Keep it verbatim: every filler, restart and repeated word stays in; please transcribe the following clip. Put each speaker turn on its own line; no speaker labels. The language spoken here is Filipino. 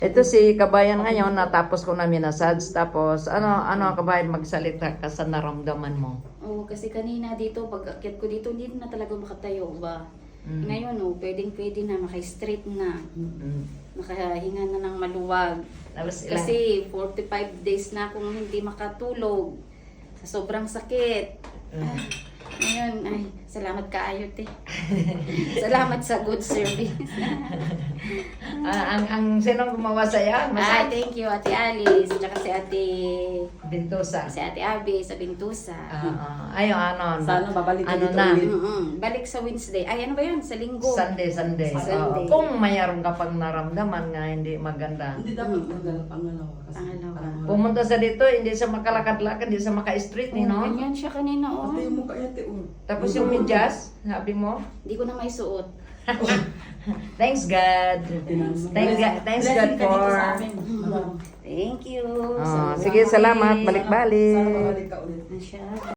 Ito si kabayan ngayon, natapos ko na minasage. Tapos, ano, ano kabayan, magsalita ka sa naramdaman mo.
Oo, kasi kanina dito, pag akyat ko dito, hindi na talaga makatayo ba.
Mm.
Ngayon, oh, pwedeng pwede na, maka-straight na.
Mm.
Makahinga na ng maluwag.
Tapos ilang,
Kasi forty-five days na akong hindi makatulog. Sa sobrang sakit.
Mm.
Ngayon, ay, salamat kaayo, te. Salamat sa good service.
Ah, ang, ang sinong gumawa sa'yo?
Ay,
Masay?
thank you, Ate Alice. At saka si Ate,
Bintosa.
si Ate Abby sa Bintusa.
Ah, ah. Ayun, ano.
Sana babalik ka
ano
dito
na?
ulit.
Mm-mm. Balik sa Wednesday. Ay, ano ba yun? Sa linggo.
Sunday, Sunday.
Sunday.
Oo. Kung mayroon ka pang naramdaman nga hindi maganda.
Hindi dapat pangalawa. Pangalawa. Kasi
Pangalawa.
pangalawa.
Pumunta sa dito, hindi siya makalakad-lakad, hindi siya maka-street,
Oh,
no?
ganyan siya kanina, oh.
Pati yung mukha niya, te, oh.
Tapos yung medyas, sabi mo,
Hindi ko na may suot.
thanks God. Thank God, thanks God
Blessing ka dito
for...
sa amin.
Thank you.
Ah,
Salamat.
sige, salamat. Balik-balik.
Sana babalik ka ulit.
Siya.